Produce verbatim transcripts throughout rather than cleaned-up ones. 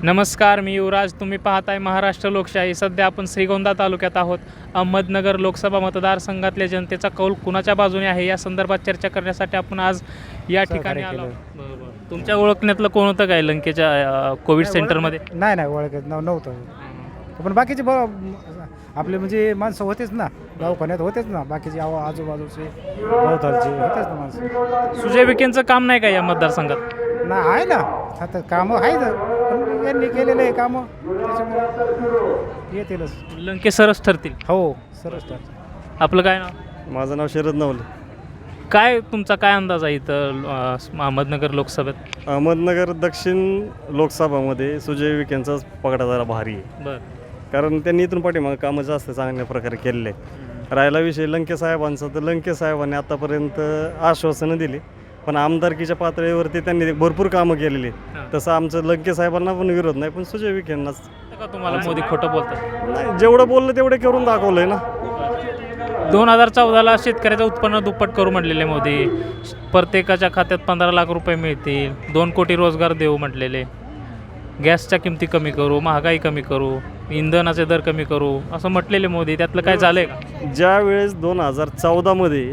नमस्कार, मी युवराज. तुम्ही पाहताय महाराष्ट्र लोकशाही. सध्या आपण श्रीगोंदा तालुक्यात आहोत. अहमदनगर लोकसभा मतदारसंघातल्या जनतेचा कौल कुणाच्या बाजूने आहे या संदर्भात चर्चा करण्यासाठी आपण आज या ठिकाणी आलो. बरोबर. तुमच्या ओळखण्यातलं कोण होतं काय लंकेच्या अ, कोविड सेंटरमध्ये? नाही नाही ओळखत नव नव्हतं. पण बाकीचे ब आपले म्हणजे माणसं होतेच ना, दवाखान्यात होतेच ना, बाकीचे आव आजूबाजूचे भोवतालचे होतेच ना माणसं. सुजय विखेंचं काम नाही का या मतदारसंघात? ना आहे ना, आता कामं आहेत पण यांनी केलेले आहे कामं, त्याच्यामुळे येतीलच. लंके सरस ठरतील. हो सरस टाक. आपलं काय नाव? माझं नाव शरद नवले. काय तुमचा काय अंदाज आहे इथं अ, अहमदनगर लोकसभेत? अहमदनगर दक्षिण लोकसभामध्ये सुजय विखेंचाच पगडा जरा भारी आहे, बरं. कारण त्यांनी इथून पाठीमागं कामं जास्त चांगल्या प्रकारे केलेले आहेत. राहिला विषय लंके साहेबांचा, तर लंके साहेबांनी आतापर्यंत आश्वासनं दिली, पण आमदारकीच्या पातळीवरती त्यांनी भरपूर कामं केलेली आहेत. तसं आमचं लंके साहेबांना पण विरोध नाही, पण सुजय विखेंनाच का तुम्हाला मोदी खोटं बोलतात? नाही, जेवढं बोललं तेवढे करून दाखवलं आहे ना. दोन हजार चौदाला शेतकऱ्याचं उत्पन्न दुप्पट करू म्हटलेले मोदी. प्रत्येकाच्या खात्यात पंधरा लाख रुपये मिळतील, दोन कोटी रोजगार देऊ म्हटलेले, गॅसच्या किमती कमी करू, महागाई कमी करू, इंधनाचे दर कमी करू असं म्हटलेले मोदी. त्यातलं काय झालं आहे का? ज्या वेळेस दोन हजार चौदामध्ये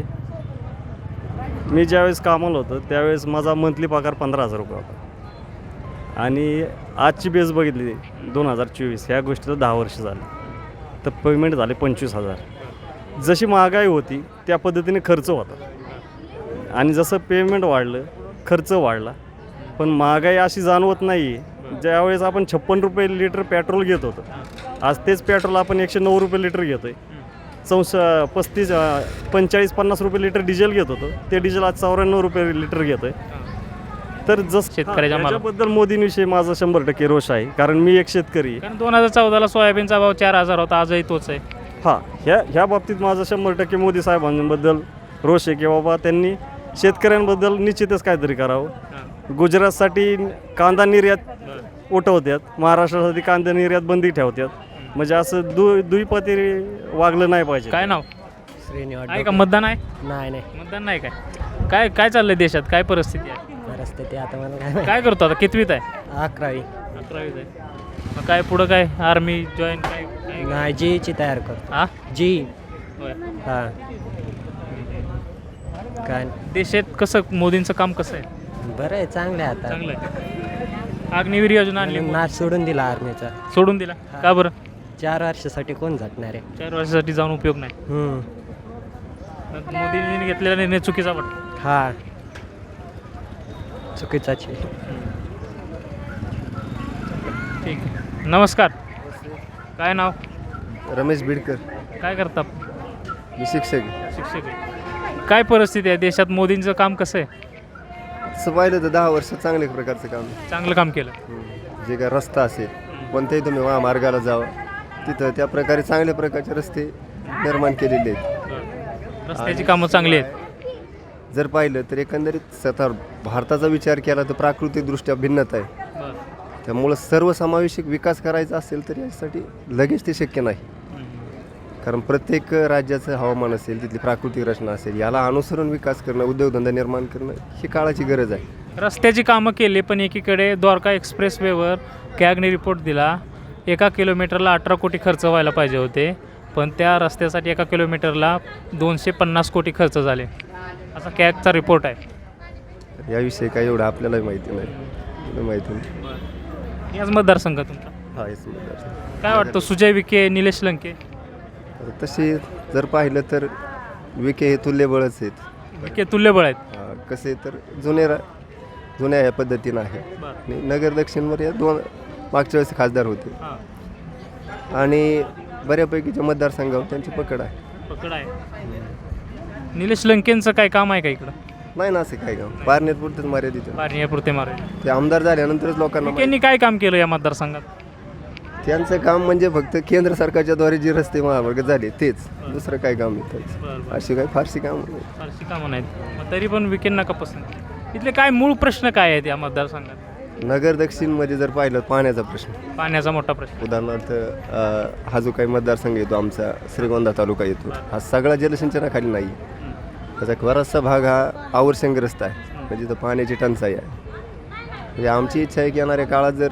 मी ज्यावेळेस कामाला होतं त्यावेळेस माझा मंथली पगार पंधरा हजार रुपये होता, आणि आजची बेस बघितली दोन हजार चोवीस ह्या गोष्टीला दहा वर्ष झाली, तर पेमेंट झाले पंचवीस हजार. जशी महागाई होती त्या पद्धतीने खर्च होता, आणि जसं पेमेंट वाढलं खर्च वाढला, पण महागाई अशी जाणवत नाही आहे. ज्यावेळेस आपण छप्पन रुपये लिटर पेट्रोल घेत होतो, आज तेच पेट्रोल आपण एकशे नऊ रुपये लिटर घेतो आहे. चौसा पस्तीस पंचेचाळीस पन्नास रुपये लिटर डिझेल घेत होतो, ते डिझेल आज चौऱ्याण्णव रुपये लिटर घेतो आहे. तर जसं शेतकऱ्याच्या माला- त्याच्याबद्दल मोदींविषयी माझा शंभर टक्के रोष आहे, कारण मी एक शेतकरी आहे. कारण दोन हजार चौदाला सोयाबीनचा भाव चार हजार होता, आजही तोच आहे. हां, ह्या ह्या बाबतीत माझा शंभर टक्के मोदी साहेबांबद्दल रोष आहे की बाबा त्यांनी शेतकऱ्यांबद्दल निश्चितच काहीतरी करावं. गुजरातसाठी कांदा निर्यात उठवतात, महाराष्ट्रासाठी कांदा निर्यात बंदी ठेवतात, म्हणजे असं दु दुईपती वागलं नाही पाहिजे. काय नाव? श्रीनिवास आहे का मतदान आहे? नाही नाही मतदान नाही काय? काय काय चाललंय देशात? काय परिस्थिती आहे? परिस्थिती आता मला काय काय करतो आता? कितवीत आहे? अकरावी अकरावीत आहे. मग काय पुढं काय आर्मी जॉईन काय काय? नाही जीची तयार करतो हा जी होय. हां काय देशात कसं मोदींचं काम कसं आहे? बरं आहे चांगलं आहे आता चांगलं आहे. अग्निवीर योजना आणली, नाच सोडून दिला आर्मीचा सोडून दिला का बरं? चार वर्षासाठी कोण झटणार आहे चार वर्षासाठी जाऊन उपयोग नाही. हम्म. मोदींनी घेतलेला निर्णय चुकीचा वाटतो. हा चुकीचाच आहे. ठीक आहे. नमस्कार. काय नाव? रमेश बिडकर. काय करता? मी शिक्षक आहे. शिक्षक आहे. काय परिस्थिती आहे देशात? मोदींचं काम कसं आहे? तसं पाहिलं तर दहा वर्ष चांगल्या प्रकारचं काम आहे. चांगलं काम केलं. जे काय रस्ता असेल कोणत्याही तुम्ही महामार्गाला जावं तिथं त्या प्रकारे चांगल्या प्रकारचे रस्ते निर्माण केलेले आहेत. रस्त्याची कामं चांगली आहेत. जर पाहिलं तर एकंदरीत स्वतः भारताचा विचार केला तर प्राकृतिकदृष्ट्या भिन्नता आहे, त्यामुळं सर्वसमावेशक विकास करायचा असेल तर यासाठी लगेच ते शक्य नाही. कारण प्रत्येक राज्याचं हवामान असेल, तिथली प्राकृतिक रचना असेल, याला अनुसरून विकास करणं, उद्योगधंदा निर्माण करणं ही काळाची गरज आहे. रस्त्याची कामं केली, पण एकीकडे द्वारका एक्सप्रेसवेवर कॅगने रिपोर्ट दिला एका किलोमीटरला अठरा कोटी खर्च व्हायला पाहिजे होते, पण त्या रस्त्यासाठी एका किलोमीटरला दोनशे पन्नास कोटी खर्च झाले, असा कॅगचा रिपोर्ट आहे. याविषयी काही एवढं आपल्यालाही माहिती नाही, एवढं माहिती नाही. याच मतदारसंघ तुमचा हा हेच मतदारसंघ. काय वाटतं? सुजय विखे, निलेश लंके? तसे जर पाहिलं तर विखे हे तुल्यबळच आहेत. विखे तुल्यबळ आहेत. अं, कसे तर जुने रा जुन्या या पद्धतीनं आहे. आणि नगर दक्षिणवर या दोन मागच्या वेळेस खासदार होते, हां, आणि बऱ्यापैकीच्या मतदारसंघावर त्यांची पकड आहे. पकड आहे. निलेश लंकेंचं काय काम आहे का इकडं? नाही ना असं काय काम, पारनेर पुरतेच मर्यादित आहे. पारण्यापुरते मारे. ते आमदार झाल्यानंतरच लोकांना माहिती. विखेंनी काय काम केलं या मतदारसंघात? त्यांचं काम म्हणजे फक्त केंद्र सरकारच्या द्वारे जे रस्ते महामार्ग झाले तेच, दुसरं काय काम नाही त्यांचं. अशी काही फारशी काम नाही. फारशी कामं नाहीत, मग तरी पण विखेंना का पसंत? इथले काय मूळ प्रश्न काय आहेत या मतदारसंघात? नगर दक्षिणमध्ये जर पाहिलं पाण्याचा प्रश्न, पाण्याचा मोठा प्रश्न. उदाहरणार्थ अं, हा जो काही मतदारसंघ येतो आमचा श्रीगोंदा तालुका येतो, हा सगळा जलसिंचनाखाली नाही. त्याचा बराचसा भाग हा आवर्षणग्रस्त आहे, म्हणजे तिथं पाण्याची टंचाई आहे. म्हणजे आमची इच्छा आहे की येणाऱ्या काळात जर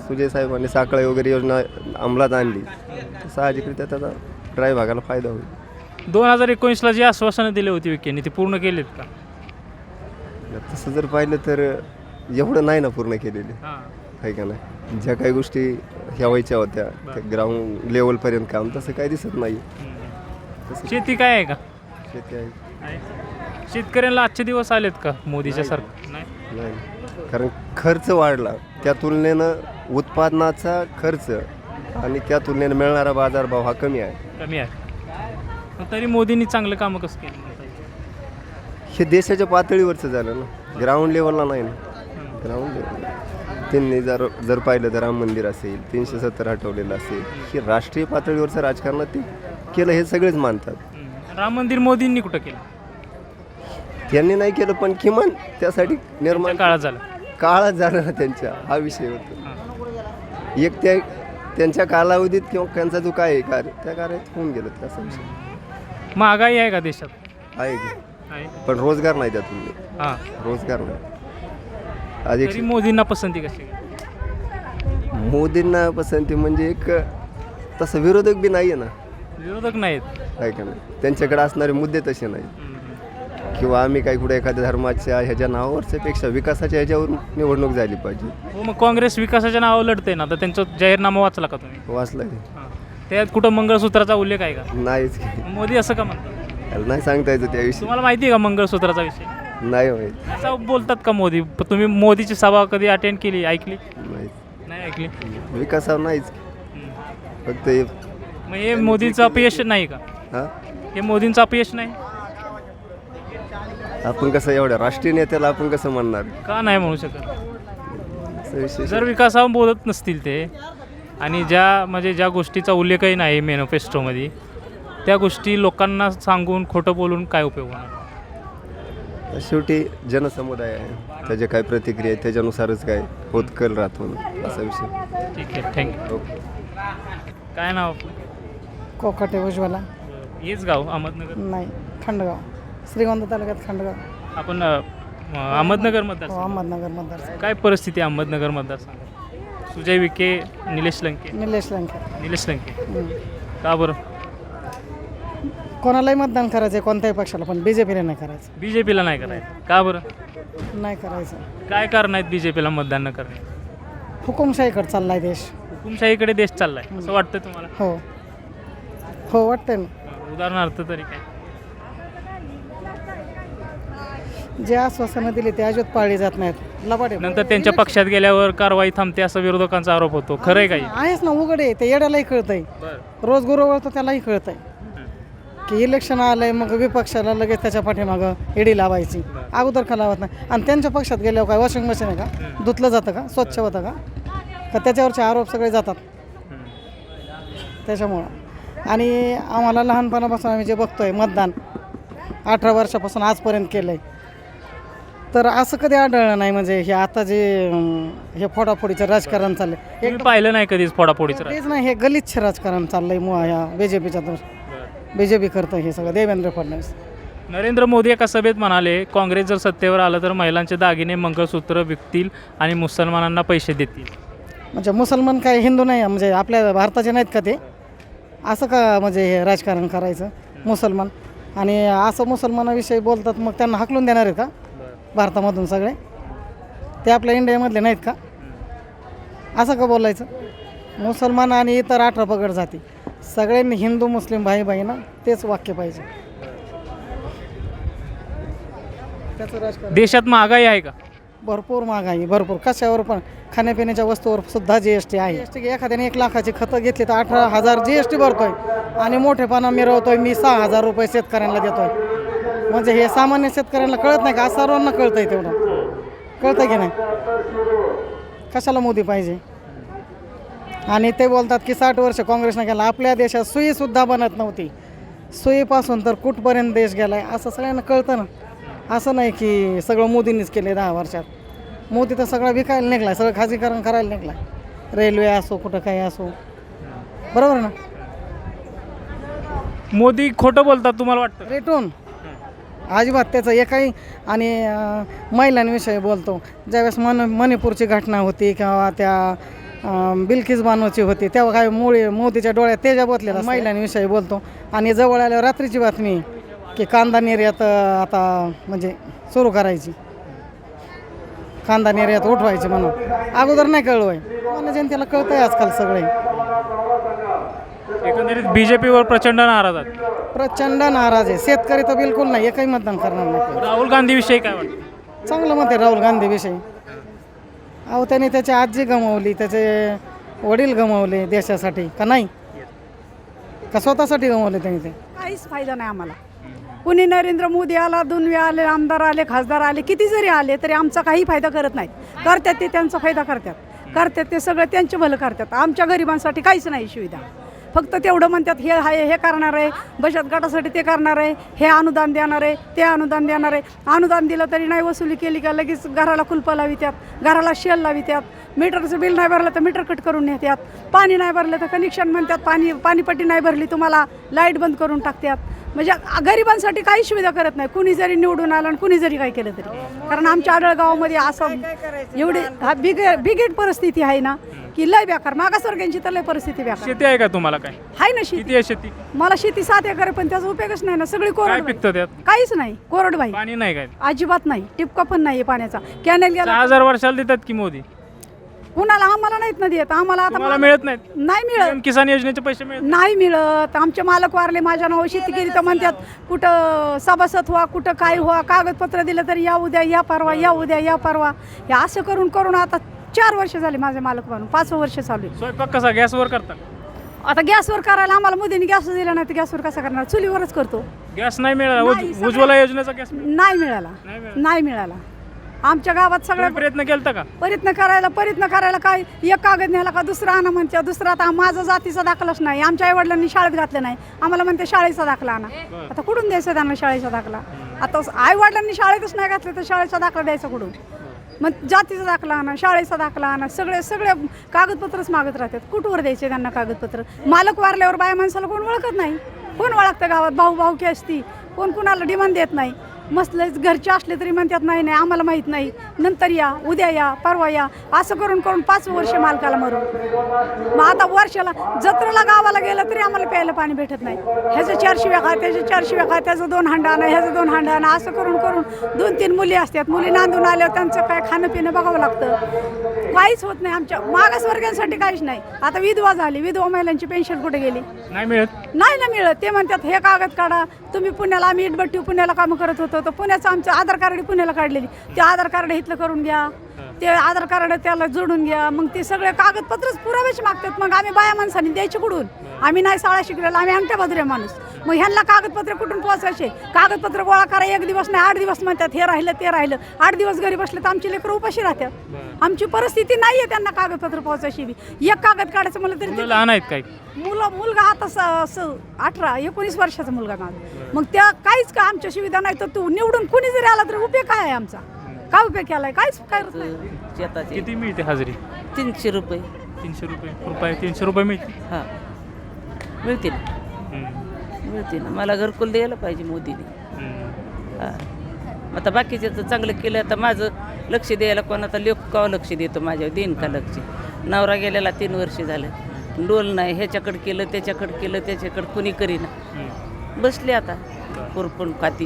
सुजय साहेबांनी साखळे वगैरे योजना अंमलात आणली तर साहजिकरित्या त्याचा ड्राय भागाला फायदा होईल. दोन हजार एकोणीसला जी आश्वासनं दिली होती विखेंनी ती पूर्ण केलीत का? तसं जर पाहिलं तर एवढं नाही ना पूर्ण केलेले, हां आहे का नाही. ज्या काही गोष्टी ह्या व्हायच्या होत्या त्या ग्राउंड लेवलपर्यंत काम तसं काही दिसत नाही. शेती काय आहे का? शेती आहे शेतकऱ्यांना आजचे दिवस आलेत का मोदीच्या सरकार? नाही. नाही, कारण खर्च वाढला त्या तुलनेनं उत्पादनाचा खर्च आणि त्या तुलनेनं मिळणारा बाजारभाव हा कमी आहे. कमी आहे. मग तरी मोदींनी चांगलं कामं कसं केलं? हे देशाच्या पातळीवरचं झालं ना, ग्राउंड लेवलला नाही ना. ग्राउंड लेवल त्यांनी जर जर पाहिलं तर राम मंदिर असेल, तीनशे सत्तर हटवलेलं असेल, हे राष्ट्रीय पातळीवरचं राजकारणात ते केलं हे सगळेच मानतात. राम मंदिर मोदींनी कुठं केलं? त्यांनी नाही केलं पण किमान त्यासाठी निर्माण काळात झालं. काळात झाला ना त्यांच्या, हा विषय होता. एक त्या त्यांच्या कालावधीत किंवा त्यांचा जो काय आहे कार्य त्या कार्यात होऊन गेलं त्याचा विषय. महागाई आहे का देशात? आहे की, आहे. पण रोजगार नाही त्यातून, हां. रोजगार नाही. आज एक तरी मोदींना पसंती कशी? मोदींना पसंती म्हणजे एक तसं विरोधक बी नाही आहे ना, विरोधक नाहीत. आहे का नाही. त्यांच्याकडे असणारे मुद्दे तसे नाही किंवा आम्ही काही कुठे एखाद्या धर्माच्या ह्याच्या नावावरच्या पेक्षा विकासाच्या ह्याच्यावर निवडणूक झाली पाहिजे. हो, मग काँग्रेस विकासाच्या नावावर लढते ना, तर त्यांचा जाहीरनामा वाचला का तुम्ही? वाचलं हां. त्यात कुठं मंगळसूत्राचा उल्लेख आहे का? नाहीच की. मोदी असं का म्हणतात? त्याला नाही सांगता येतं त्याविषयी, तुम्हाला माहिती आहे का मंगळसूत्राचा विषय? नाही माहीत. असं बोलतात का मोदी? प- तुम्ही मोदीची सभा कधी अटेंड केली, ऐकली? माहीत नाही ऐकली. विकासावर नाहीच की. हम्म. फक्त हे मग हे मोदींचं अपयश नाही का? हां हे मोदींचं अपयश नाही आपण कसं एवढ्या राष्ट्रीय नेत्याला आपण कसं म्हणणार का? नाही म्हणू शकत. असा विषय. जर विकासावर बोलत नसतील ते आणि ज्या म्हणजे ज्या गोष्टीचा उल्लेखही नाही मॅनिफेस्टोमध्ये, त्या गोष्टी लोकांना सांगून खोटं बोलून काय उपयोग होणार? शेवटी जनसमुदाय आहे, त्याच्या काय प्रतिक्रिया आहे त्याच्यानुसारच काय होत कल राहतो ना, असा विषय. ठीक आहे, थँक्यू. ओके. काय नाव? कोकाटे उज्ज्वला. हेच गाव अहमदनगर? नाही, खंडगाव, श्रीगोंदा तालुक्यात खंडगाव. आपण अ, अहमदनगर मतदार हो, अहमदनगर मतदार. काय परिस्थिती आहे अहमदनगर मतदारसंघात? सुजय विखे, निलेश लंके? निलेश लंके. निलेश लंके. हम्म. का बरं? कोणालाही मतदान करायचं आहे, कोणत्याही पक्षाला, पण बी जे पीला नाही करायचं. बी जे पीला नाही करायचं का बरं? नाही करायचं. काय कारण आहेत बी जे पीला मतदान न करणे? हुकुमशाहीकडे चालला आहे देश. हुकुमशाहीकडे देश चाललाय असं वाटतं तुम्हाला? हो हो वाटतंय ना. उदाहरणार्थ तरी काय? जे आश्वासनं दिली ते अजिबात पाळली जात नाहीत. लबाडे नंतर त्यांच्या पक्षात गेल्यावर कारवाई थांबते असं विरोधकांचा आरोप होतो. खरंय काही? आहेच ना, उघड आहे ते, येड्यालाही कळतंय, रोज गुरुवळतो त्यालाही कळतंय की इलेक्शन आलंय मग विपक्षाला लगेच त्याच्या पाठीमागं एडी लावायची. अगोदर का लावत नाही. आणि त्यांच्या पक्षात गेल्यावर काय वॉशिंग मशीन आहे का? धुतलं जातं का? स्वच्छ होतं का? का त्याच्यावरचे आरोप सगळे जातात त्याच्यामुळं. आणि आम्हाला लहानपणापासून आम्ही जे बघतोय मतदान अठरा वर्षापासून आजपर्यंत केलं आहे, तर असं कधी आढळलं नाही. म्हणजे हे आता जे अं, हे फोडाफोडीचं राजकारण चाललं आहे, तुम्ही पाहिलं नाही कधीच फोडाफोडीचं राजकारण? तेच नाही, हे गलिच्छ राजकारण चाललं आहे मुळा ह्या बी जे पीच्या दृष्टी. बी जे पी करतं हे सगळं, देवेंद्र फडणवीस. नरेंद्र मोदी एका सभेत म्हणाले, काँग्रेस जर सत्तेवर आलं तर महिलांचे दागिने मंगळसूत्र विकतील आणि मुसलमानांना पैसे देतील. म्हणजे मुसलमान काय हिंदू नाही, म्हणजे आपल्या भारताचे नाहीत का ते? असं का म्हणजे हे राजकारण करायचं मुसलमान? आणि असं मुसलमानाविषयी बोलतात मग त्यांना हाकलून देणार आहेत का भारतामधून सगळे? ते आपल्या इंडियामधले नाहीत का? असं का बोलायचं? मुसलमान आणि इतर अठरा पगड जाती सगळ्यांनी हिंदू मुस्लिम भाई भाई ना, तेच वाक्य पाहिजे. त्याचं राजकारण. देशात महागाई आहे का? भरपूर महागाई, भरपूर. कशावर पण, खाण्यापिण्याच्या वस्तूवर सुद्धा जी एस टी आहे. जी एस टी एखाद्याने एक लाखाची खतं घेतली तर अठरा हजार जी एस टी भरतोय आणि मोठेपणा मिरवतोय मी सहा हजार रुपये शेतकऱ्यांना देतोय. म्हणजे हे सामान्य शेतकऱ्यांना कळत नाही का? सर्वांना कळतंय, तेवढं कळतंय की नाही? कशाला मोदी पाहिजे? आणि ते बोलतात की साठ वर्ष काँग्रेसनं केला. आपल्या देशात सुईसुद्धा बनत नव्हती, सुईपासून तर कुठपर्यंत देश गेला आहे असं सगळ्यांना कळतं ना. असं नाही की सगळं मोदींनीच केले दहा वर्षात. मोदी तर सगळं विकायला निघला, सगळं खाजगीकरण करायला निघला. रेल्वे असो, कुठं काही असो, बरोबर ना? मोदी खोटं बोलतात तुम्हाला वाटतं? रेटून अजिबात त्याचं एकही. आणि अं, महिलांविषयी बोलतो, ज्यावेळेस मन मणिपूरची घटना होती किंवा त्या अं, बिल्किस बानोची होती तेव्हा काय मुळे मोदीच्या डोळ्यात तेजा बोतलेला महिलांविषयी बोलतो. आणि जवळ आल्यावर रात्रीची बातमी की कांदा निर्यात अं, आता म्हणजे सुरू करायची, कांदा निर्यात उठवायची म्हणून. अगोदर नाही कळलं आहे, मला जनतेला कळतंय आजकाल सगळे. एकंदरीत बी जे पीवर प्रचंड नाराज आहेत. प्रचंड नाराज आहे. शेतकरी तर बिलकुल नाही, एकही मतदान करणार नाही. राहुल गांधीविषयी काय वाटतं? चांगलं मत आहे राहुल गांधीविषयी. अहो त्याने त्याची आजी गमावली, त्याचे वडील गमावले देशासाठी का नाही, का स्वतःसाठी गमावले त्यांनी? ते काहीच फायदा नाही आम्हाला. कुणी नरेंद्र मोदी आला, दुनवे आले, आमदार आले, खासदार आले, किती जरी आले तरी आमचा काही फायदा करत नाहीत. करतात ते त्यांचा फायदा करतात, करतात ते सगळं त्यांचे भलं करतात. आमच्या गरिबांसाठी काहीच नाही सुविधा. फक्त तेवढं म्हणतात हे आहे, हे करणार आहे, बचत गटासाठी ते करणार आहे, हे अनुदान देणार आहे, ते अनुदान देणार आहे. अनुदान दिलं तरी नाही वसुली केली का लगेच घराला कुलपं लावित्यात, घराला शेल लावित्यात. मीटरचं बिल नाही भरलं तर मीटर कट करून नेत्यात, पाणी नाही भरलं तर कनेक्शन म्हणतात, पाणी पाणीपट्टी नाही भरली तुम्हाला लाईट बंद करून टाकतात. म्हणजे गरिबांसाठी काही सुविधा करत नाही, कुणी जरी निवडून आलं आणि कुणी जरी काय केलं तरी. कारण आमच्या आढळगावामध्ये असं एवढी हा बिगे बिगेट परिस्थिती आहे ना की लय बेकार, मागासवर्गीयांची तर लय परिस्थिती बेकार. शेती आहे का तुम्हाला? काय आहे ना शेती. किती आहे शेती? मला शेती सात एकर आहे, पण त्याचा उपयोगच नाही ना, सगळी काय कोरड पिकतं त्यात? काहीच नाही, कोरड बाई पाणी नाही काय? अजिबात नाही, टिपका पण नाही पाण्याचा. कॅनेल सहा गेला हजार वर्षाला देतात की मोदी? कुणाला? आम्हाला नाहीत ना देत. आम्हाला तुम्हाला आता मिळत नाहीत? नाही मिळत, पी एम किसान योजनेचे पैसे मिळत नाही मिळत. आमचे मालक वारले, माझ्या नाव शेती केली तर म्हणतात कुठं सभासद व्हा, कुठं काय व्हा, कागदपत्र दिलं तरी या उद्या, या परवा, या उद्या, या परवा. हे असं करून करून आता चार वर्ष झाले माझे मालक म्हणून, पाचवं वर्ष चालू आहे. स्वयंपाक कसा गॅसवर करता? आता गॅसवर करायला आम्हाला मोदीने गॅस दिला नाही तर गॅसवर कसा करणार? चुलीवरच करतो. गॅस नाही मिळाला? नाही, उज- सगळं- उज्ज्वला योजनेचा गॅस मिळाला? नाही मिळाला, नाही मिळाला. नाही मिळाला. आमच्या गावात सगळ्या तुम्ही प्रयत्न केलता का? प्रयत्न करायला प्रयत्न करायला काय एक कागद न्यायला का दुसरा आणा म्हणते, दुसरा आता माझा जातीचा दाखलाच नाही. आमच्या आईवडिलांनी शाळेत घातलं नाही, आम्हाला म्हणते शाळेचा दाखला आणा. आता कुठून द्यायचा त्यांना शाळेचा दाखला? आता आईवडिलांनी शाळेतच नाही घातलं तर शाळेचा दाखला द्यायचा कुठून? मग जातीचा दाखला आणा, शाळेचा दाखला आणा, सगळे सगळे कागदपत्रच मागत राहतात. कुठवर द्यायचे त्यांना कागदपत्र? मालक वारल्यावर बाया माणसाला कोण ओळखत नाही. कोण ओळखतं गावात? भाऊ भाऊकी असती, कोण कुणाला डिमांड देत नाही. मस्त घरचे असले तरी म्हणतात नाही नाही आम्हाला माहीत नाही, नंतर या, उद्या या, परवा या, असं करून करून पाच वर्ष मालकाला मरून. मग आता वर्षाला जत्रेला गावाला गेलं तरी आम्हाला प्यायला पाणी भेटत नाही. ह्याचं चार शिव्या खा, त्याचे चार शिव्या खा, त्याचं दोन हांडा आणा, ह्याचं दोन हांडा आणा, असं करून करून दोन तीन मुली असतात. मुली नांदून आल्यावर त्यांचं काय खाणं पिणं बघावं लागतं. काहीच होत नाही. आमच्या मागासवर्गीयांसाठी काहीच नाही. आता विधवा झाली, विधवा महिलांची पेन्शन कुठे गेली? नाही मिळत. नाही ना मिळत. ते म्हणतात हे कागद काढा तुम्ही पुण्याला, आम्ही इटभट्टी पुण्याला कामं करत होतो तर पुण्याचं आमचं आधार कार्ड पुण्याला काढलेली, ते आधार कार्ड इथलं करून घ्या, ते आधार कार्ड त्याला जोडून घ्या. मग ते सगळे कागदपत्रच पुरावेच मागतात. मग आम्ही बाया माणसांनी द्यायचे कुठून? आम्ही नाही शाळा शिकलेला, आम्ही अंगठ्या बाजूऱ्या माणूस. मग ह्यांना कागदपत्र कुठून पोहोचायचे? कागदपत्र गोळा करा, एक दिवस नाही आठ दिवस म्हणतात, हे राहिलं ते राहिलं. आठ दिवस घरी बसले तर आमची लेकरं उपाशी राहतात. आमची परिस्थिती नाही आहे त्यांना कागदपत्र पोहोचायची बी. एक कागद काढायचं म्हणलं तरी मुलं ते- लहान आहेत काय? मुलं मुलगा आता स- स- अठरा एकोणीस वर्षाचा मुलगा माझा. मग त्या काहीच का आमच्या सुविधा नाही तर तू निवडून कुणी जरी आला तरी उपयोग काय आहे आमचा? काय उपयोग केलाय? काहीच करत नाही. शेताचे किती मिळते हजेरी? तीनशे रुपये तीनशे रुपये रुपये तीनशे रुपये मिळते. हां मिळतील हम्म. मिळतील मला घरकुल द्यायला पाहिजे मोदीने. हम्म. हां आता बाकीच्याचं चांगलं केलं तर माझं लक्ष द्यायला कोण आता लोक का लक्ष देतो माझ्यावर देईन का लक्ष? नवरा गेलेला तीन वर्ष झालं, डोल नाही, ह्याच्याकडं केलं त्याच्याकडं केलं त्याच्याकडं कुणी करीना. हम्म. बसले आता पुरपून खाती.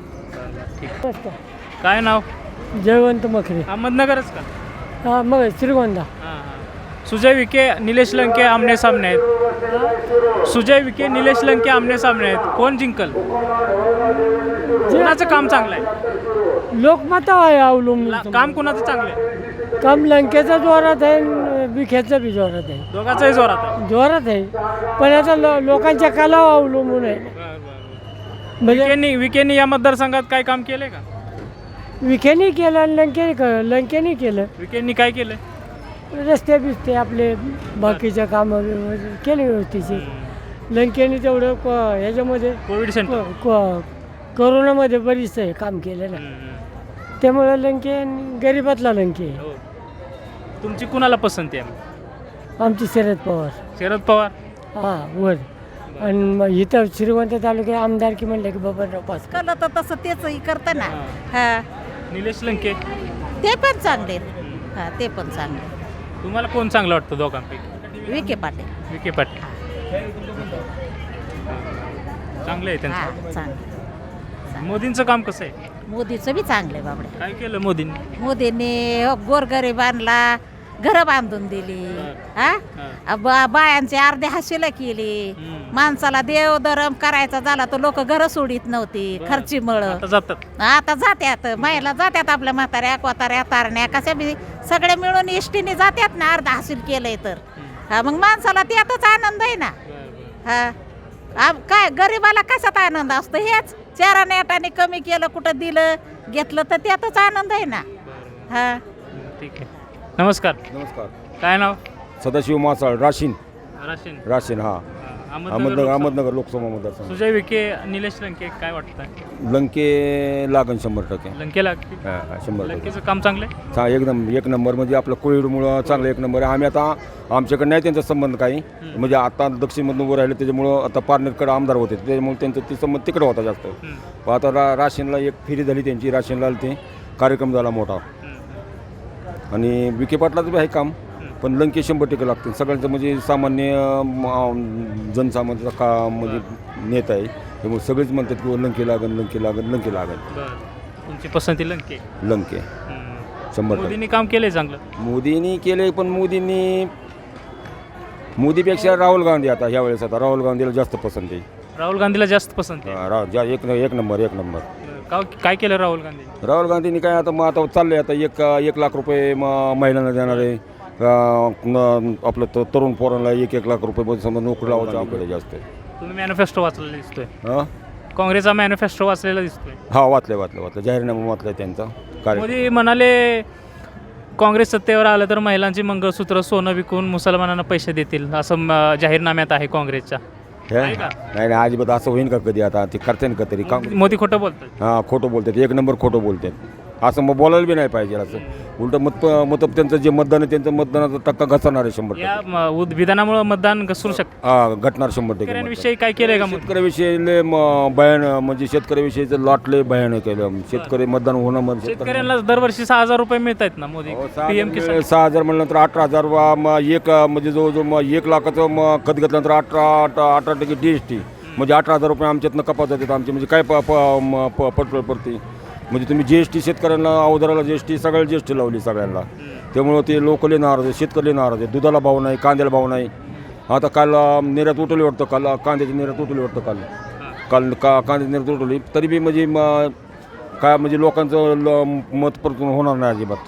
काय नाव? जयवंत मखरे. अहमदनगरच का? हा मग श्रीगोंदा. हां, हां. सुजय विखे निलेश लंके आमने सामने आहेत. सुजय विखे निलेश लंके आमने सामने आहेत. कोण जिंकल? कोणाचं काम चांगलं आहे? लोकमत आहे अवलंबून. ला- काम कोणाचं चांगलं आहे? काम लंकेचा जोरात आहे आणि विखेचा बी जोरात आहे. दोघांचाही जोरात आहे. जोरात आहे पण आता लो लोकांच्या कलावर अवलंबून आहे. म्हणजे विखेंनी विखेंनी या मतदारसंघात काय काम केलंय का? विखेनी केलं आणि लंकेने केलं. लंकेने केलं विखेंनी काय केलंय? रस्ते बिस्ते आपले बाकीच्या कामं व्यवस्थित केले व्यवस्थित. लंकेने तेवढं क ह्याच्यामध्ये कोविड सेंटर. क- क- कोरोनामध्ये बरीच आहे काम केलं ना. त्यामुळे लंके गरीबातला लंके आहे. हो. तुमची कुणाला पसंती आहे? आमची शरद पवार. शरद पवार. हां वर. आणि मग इथं श्रीगोंदा तालुक्यात आमदारकी म्हणलं की बाबा पास कळलं तर तसं तेच करतं ना. हा निलेश लंके. ते पण चांगले. हा ते पण चांगले. तुम्हाला कोण चांगलं वाटतं दोघांपैकी? विखे पाटील. विखे पाटील चांगलं आहे त्यांचं. हा चांगलं. मोदींचं काम कसं आहे? मोदीचं बी चांगलं आहे बाबडे. काय केलं मोदींनी? मोदींनी गोरगरिबांना घरं बांधून दिली. हा बा- बायांची अर्धी हाशीला केली. माणसाला देव धर्म करायचा झाला तर लोक घरं सोडित नव्हती खर्चीमुळं. आता जातात. आता जात्यात महिला जात्यात आपल्या म्हाताऱ्या कोताऱ्या तारण्या कशा बी सगळे मिळून इष्टीने जात्यात ना अर्ध हासील केलंय तर. हा मग माणसाला त्यातच आनंद आहे ना. हा आ- काय गरिबाला कशात आनंद असतो? हेच चारा नेटाने कमी केलं कुठं दिलं घेतलं तर त्यातच आनंद आहे ना. हा ठीक आहे. नमस्कार. नमस्कार. काय नाव? सदाशिव मासाळ राशीन. राशीन. राशीन हा अहमदनगर अहमदनगर लोकसभा. अहमदनगर लोकसभा मतदारसंघ. सुजय विखे निलेश लंके काय वाटतं? लंके लागन शंभर टक्के. लंकेला हा, हा, शंभर टक्के लंकेचं काम चांगलं आहे. चा एक नंबर एक नंबर म्हणजे आपलं कोविडमुळं चांगलं एक नंबर आहे. आम्ही आता आमच्याकडे नाही त्यांचा संबंध काही म्हणजे आता दक्षिणमधून उभं राहिले त्याच्यामुळं आता पारनेरकडे आमदार होते त्याच्यामुळे त्यांचा ते संबंध तिकडे होता जास्त. पण आता रा राशीनला एक फेरी झाली त्यांची. राशीनला ते कार्यक्रम झाला मोठा आणि विखे पाटलाचं बी आहे काम पण लंके शंभर टक्के लागतील. सगळ्यांचं म्हणजे सामान्य म, जनसामान्याचा का म्हणजे नेता आहे त्यामुळे सगळेच म्हणतात की लंके लागन लंके लागन लंके लागन. बरं. तुमची पसंती लंके. लंके शंभर टक्के. मोदींनी काम केलंय चांगलं. मोदींनी केले पण मोदींनी मोदीपेक्षा राहुल गांधी आता ह्या वेळेस आता राहुल गांधीला जास्त पसंत आहे. राहुल गांधीला जास्त पसंत आहे. हा, रा- ज्या एक एक नंबर एक नंबर. का काय केलं राहुल गांधी? राहुल गांधींनी काय आता मग आता चाललंय आता एक एक लाख रुपये म- महिलांना देणार आहे. अं, न- आपलं त- तरुण पोरांना एक एक लाख रुपये समजा नोकरी लावायचं आपल्याला जास्त आहे. तुम्ही मॅनिफेस्टो वाचलेला दिसतोय. हां काँग्रेसचा मॅनिफेस्टो वाचलेला दिसतोय. हा वाचलं वाचलं वाचलं जाहीरनामा वाचलं त्यांचा कार्य. मोदी म्हणाले काँग्रेस सत्तेवर आलं तर महिलांची मंगळसूत्र सोनं विकून मुसलमानांना पैसे देतील असं म- जाहीरनाम्यात आहे काँग्रेसच्या. हे? आहे का? नाही नाही अजिबात असं होईन का कधी आता ते करते ना का तरी काम. मोदी खोटं बोलतात. हां खोटं बोलतात एक नंबर खोटं बोलतात असं मग बोलायला बी नाही पाहिजे. असं उलट मत मत त्यांचं जे मतदान आहे त्यांचं मतदानाचा टक्का घसरणार आहे शंभर या टक्के. म- उद- विधानामुळे मतदान घसरू शकतं. हा घटणार शंभर टक्के मतदान. शेतकऱ्यांविषयी काय केलंय का मोदी? शेतकऱ्याविषयी लय म- भयान म्हणजे शेतकऱ्याविषयीचं लॉट लय भयानक केलं. शेतकरी मतदान होणं म्हणजे शेतकऱ्यांना दरवर्षी सहा हजार रुपये मिळत आहेत ना मोदी हो, सहा पीएम हजार किसान. मिळाले, सहा हजार म्हणल्यानंतर अठरा हजार वा म एक म्हणजे जवळजवळ मग एक लाखाचं मग खत घेतल्यानंतर अठरा अठरा अठरा टक्के डी एस टी म्हणजे अठरा हजार रुपये आमच्यातनं कपात जातात आमचे म्हणजे काय प प- म- प- पटपट पडते म्हणजे तुम्ही जी एस टी शेतकऱ्यांना अवधाराला जी एस टी सगळ्याला जी एस टी लावली सगळ्यांना त्यामुळं ते लोकले नाराज आहे शेतकरी नाराज आहे. दुधाला भाव नाही कांद्याला भाव नाही. आता काल अं, निर्यात उठवली वाटतं काल कांद्याची निर्यात उठवली वाटतं काल काल का कांद्याची निर्यात उठवली तरी बी म्हणजे म- काय म्हणजे लोकांचं ल- मत परतून होणार नाही अजिबात.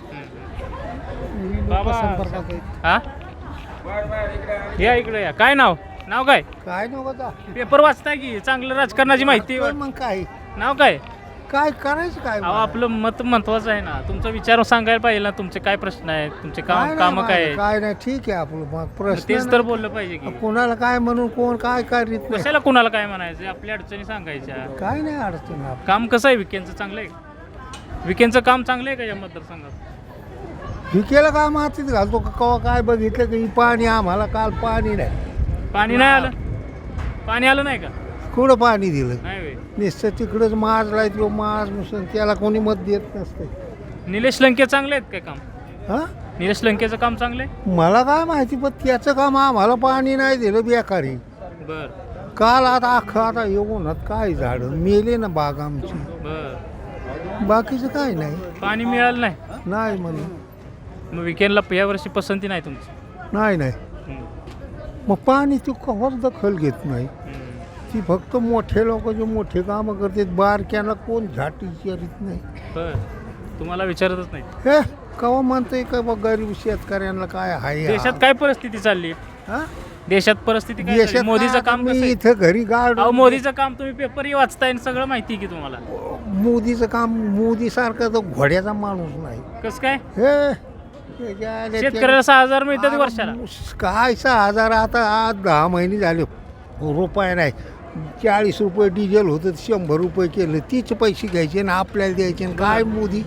हा या इकडे या. काय नाव नाव काय? काय नव्हता पेपर वाचताय की चांगलं राजकारणाची माहिती. मग काय नाव काय? काय करायचं काय अहो आपलं मत महत्वाचं आहे ना. तुमचा विचार सांगायला पाहिजे ना. तुमचे काय प्रश्न आहेत तुमचे काम काम काय आहेत? काय नाही ठीक आहे आपलं मग प्रश्न तेच तर बोललं पाहिजे की कोणाला काय म्हणून कोण काय करीत नाही कशाला कुणाला काय म्हणायचं आपल्या अडचणी सांगायच्या. काय नाही अडचण आपलं. काम कसं आहे विकेंडचं चांगलं आहे का? विकेंडचं काम चांगलं आहे का या मतदारसंघात? विकेला काय मातीत घालतो का कवा काय बघितलं की पाणी आम्हाला काल पाणी नाही पाणी नाही आलं. पाणी आलं नाही का? कुठं पाणी दिलं नाही होय. नुसतं तिकडंच माजलाय तो माज मुसन त्याला कोणी मत देत नसते निलेश लंके चांगले आहेत काय काम? हा निलेश लंकेचं काम चांगलं आहे. मला काय माहिती पण त्याचं काम आम्हाला पाणी नाही दिलं बेकारी. बर काल आता अख्खं आता येऊन काय झाडं मेले ना बाग आमची बर बाकीचं काय नाही पाणी मिळालं नाही. नाही म्हणून मग विकेंडला या वर्षी पसंती नाही तुमची. नाही नाही हम्म. मग पाणी तू कवाच दखल घेत नाही. हम्म. ती फक्त मोठे लोक जे मोठे कामं करतात बारक्याला कोण झाट विचारित नाही. बर तुम्हाला विचारतच नाही. हे कवा म्हणतंय का बा गरीब शेतकऱ्यांना काय आहे देशात काय परिस्थिती चालली? हा? देशात परिस्थिती काय देशात चालली? मोदीचं काय काम आता कसं मी आहे? इथं घरी गाड अहो मोदीचं काम तुम्ही पेपरही वाचताय आणि सगळं माहिती आहे की तुम्हाला. मोदीचं काम मोदी सारखा तो घोड्याचा माणूस नाही. कसं काय? हे त्याच्या आल्या शेतकऱ्याला सहा हजार मिळतात वर्षाला. त्या- काय सहा हजार आता आज दहा महिने झाले रुपये नाही. चाळीस रुपये डिझेल होतं शंभर रुपये केलं तीच पैसे घ्यायचे ना आपल्याला द्यायचे आणि काय मोदी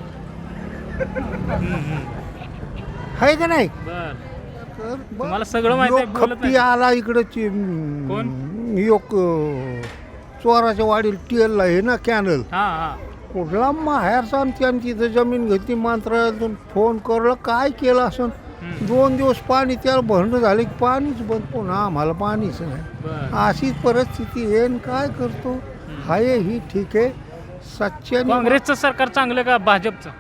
आहे का नाही. बर तर बघ, तुम्हाला सगळं माहिती आहे, योग बोलत खप्पी नाही. आला इकडं कोण? योग चोराच्या वाडील टेलला आहे ना कॅनल हा हा कुठला माहेरचा आणि त्यांनी तिथं जमीन घेतली मंत्रालयातून फोन करलं काय केलं असं दोन दिवस पाणी त्याला भरणं झालं की पाणीच बंद, पुन्हा आम्हाला पाणीच नाही. बरं. अशीच परिस्थिती आहे आणि काय करतो. हाय ही ठीक आहे. सच्च्याने काँग्रेसचं सरकार चांगलं का भाजपचं?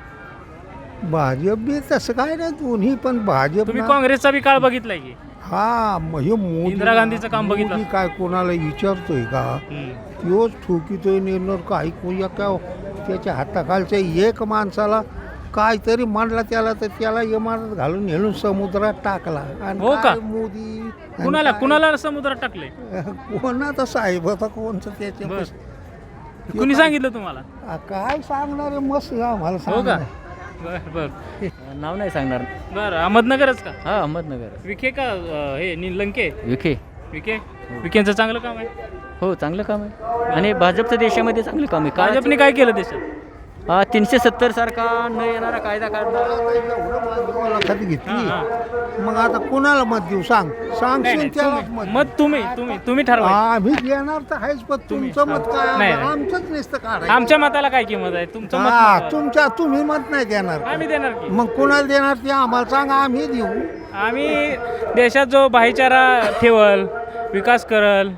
भाजप बी तसं काय नाही, दोन्ही पण भाजप तुम्ही ना- काँग्रेसचा बी काळ बघितलाय की? हा मग हे मोदी इंदिरा गांधीचं काम बघितलं. मोदी काय कोणाला विचारतोय का? तोच ठोकीतोय निर्णय काही कोणी काय त्याच्या हाताखालच्या एक माणसाला काहीतरी मांडला त्याला तर त्याला इमारत घालून नेलून समुद्रात टाकला. आणि हो का? काय मोदी आणि कुणाला काय- कुणाला समुद्रात टाकले? कोणाचा साहेब होता कोणचं त्याच्या बरं. कुणी सांगितलं तुम्हाला? आ, काय सांगणार आहे, मस्त आम्हाला हो सांग का? बर बर नाव नाही सांगणार. बर अहमदनगरच का? हा अहमदनगर. विखे का अं, हे नि लंके? विखे. विखे विखेंचं चांगलं काम आहे. हो चांगलं काम आहे आणि भाजपचं देशामध्ये चांगलं काम आहे. भाजपने काय केलं देशात? का तीनशे सत्तर सारखा न येणारा कायदा काढला. मुलाखत घेतली. मग आता कोणाला मत देऊ सांग सांगशील त्यालाच मत मत तुम्ही तुम्ही तुम्ही ठरवा. आम्ही घेणार तर आहेच, पण तुमचं मत काय नाही, नाही. आमचंच नसतं काढायचं. आमच्या मताला काय किंमत आहे? तुमचं मत हा महत्त्वाचं. तुमच्या तुम्ही मत नाही देणार. आम्ही देणार की? मग कोणाला देणार ते आम्हाला सांगा, आम्ही देऊ. आम्ही देशात जो भाईचारा ठेवल, विकास करल,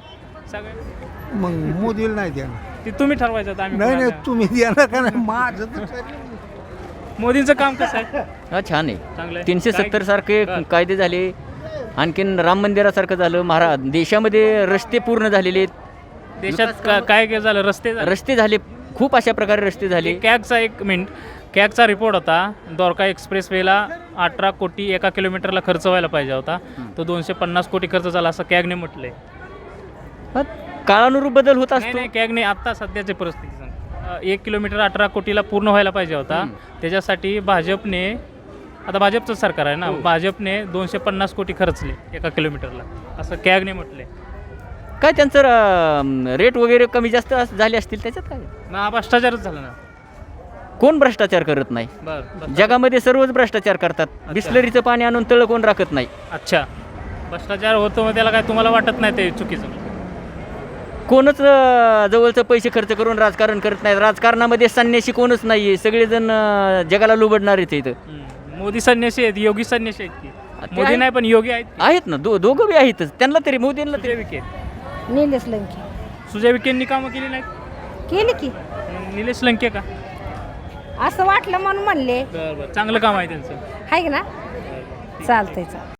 सगळं मग मोदीला नाही देणार. ते तुम्ही ठरवायचं आता. आम्ही नाही नाही कोणाला- तुम्ही देणार का नाही माझं तर खरं. मोदींचं काम कसं आहे? हा छान आहे. चांगलं आहे. तीनशे काय- सत्तर सारखे बरं. कायदे झाले. आणखीन राम मंदिरासारखं झालं. महाराज देशामध्ये रस्ते पूर्ण झालेले आहेत. देशात का- काय काय झालं? रस्ते झाले. रस्ते झाले खूप अशा प्रकारे रस्ते झाले. कॅगचा एक मिनिट कॅगचा रिपोर्ट होता. द्वारका एक्सप्रेस वेला अठरा कोटी एका किलोमीटरला खर्च व्हायला पाहिजे होता. तो दोनशे पन्नास कोटी खर्च झाला असं कॅगने म्हटलंय. हा, काळानुरूप बदल होत नाही असतो. नाही कॅगने आत्ता सध्याची परिस्थिती सांग. अ, एक किलोमीटर अठरा कोटीला पूर्ण व्हायला पाहिजे होता. त्याच्यासाठी भाजपने आता भाजपचं सरकार आहे ना, भाजपने दोनशे पन्नास कोटी खर्चले एका किलोमीटरला असं कॅगने म्हटले. काय त्यांचं रेट वगैरे कमी जास्त अस- झाले असतील त्याच्यात काय. मग हा भ्रष्टाचारच झाला ना. कोण भ्रष्टाचार करत नाही. बरं जगामध्ये सर्वच भ्रष्टाचार करतात. बिस्लरीचं पाणी आणून तळ कोण राखत नाही. अच्छा भ्रष्टाचार होतो मग त्याला काय तुम्हाला वाटत नाही ते चुकीचं? कोणच अं, जवळचं पैसे खर्च करून राजकारण करत नाही. राजकारणामध्ये संन्याशी कोणच नाही आहे. सगळेजण अं, जगाला लुबडणार आहेत इथं. हम्म. मोदी संन्यासी आहेत, योगी संन्यासी आहेत की? ते मोदी आहे. नाही पण योगी आहेत की? आहेत ना दो दोघं बी आहेतच. त्यांना तरी मोदींना सुजय तरी विखे निलेश लंके सुजय विखेंनी कामं केली नाहीत? केली की मग निलेश लंके का? असं वाटलं म्हणून म्हणले बरं बरं चांगलं काम आहे त्यांचं. आहे ना चालतंय चालतंय.